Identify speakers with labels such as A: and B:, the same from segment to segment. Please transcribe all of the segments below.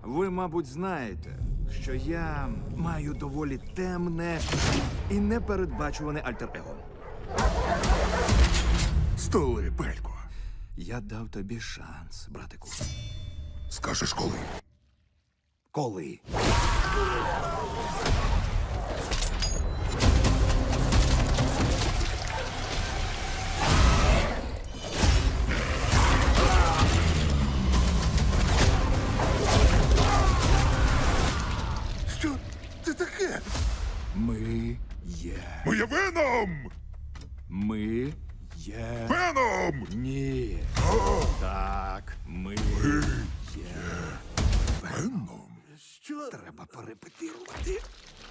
A: Ви, мабуть, знаєте, що я маю доволі темне і непередбачуване альтер-его.
B: Столи, Пелько.
A: Я дав тобі шанс, братику.
B: Скажеш коли?
A: Коли?
B: Що це таке?
A: Ми є.
B: Ми є Веном!
A: Ми є.
B: Веном!
A: Ні. Так, ми є.
B: Веном?
A: Що треба перепетирувати?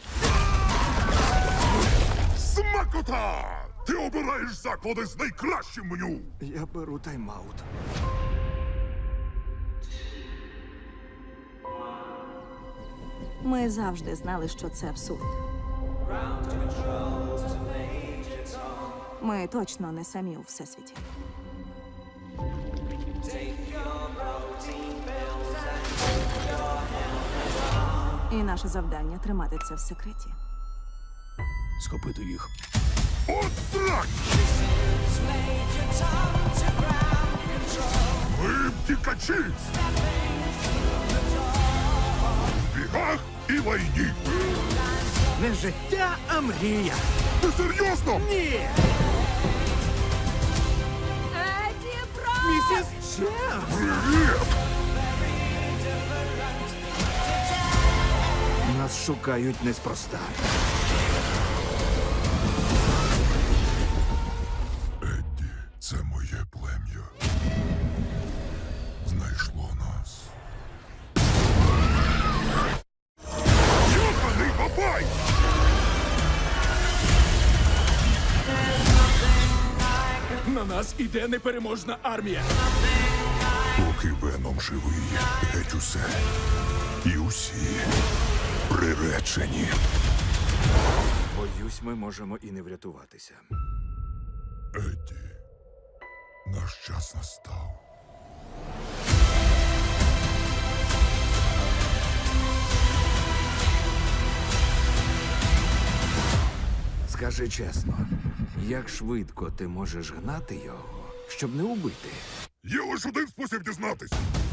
B: Смакота! Ти обираєш заклади з найкращим меню!
A: Я беру тайм-аут.
C: Ми завжди знали, що це абсурд. Ми точно не самі у всесвіті. І наше завдання тримати це в секреті.
A: Схопити їх.
B: От так! Ми втікачі! В бігах і лайні!
A: Не життя, а мрія.
B: Ти серйозно?
A: Ні!
C: Еді, бро!
A: Місіс Чемс!
B: Привіт!
A: Нас шукають неспроста.
B: Едді, це моє плем'я. Знайшло нас. Йоханий бабай!
A: На нас іде непереможна армія.
B: Поки Веном живий, геть усе. І усі приречені.
A: Боюсь, ми можемо і не врятуватися.
B: Едді, наш час настав.
A: Скажи чесно, як швидко ти можеш гнати його, щоб не убити?
B: Є лише один спосіб дізнатись.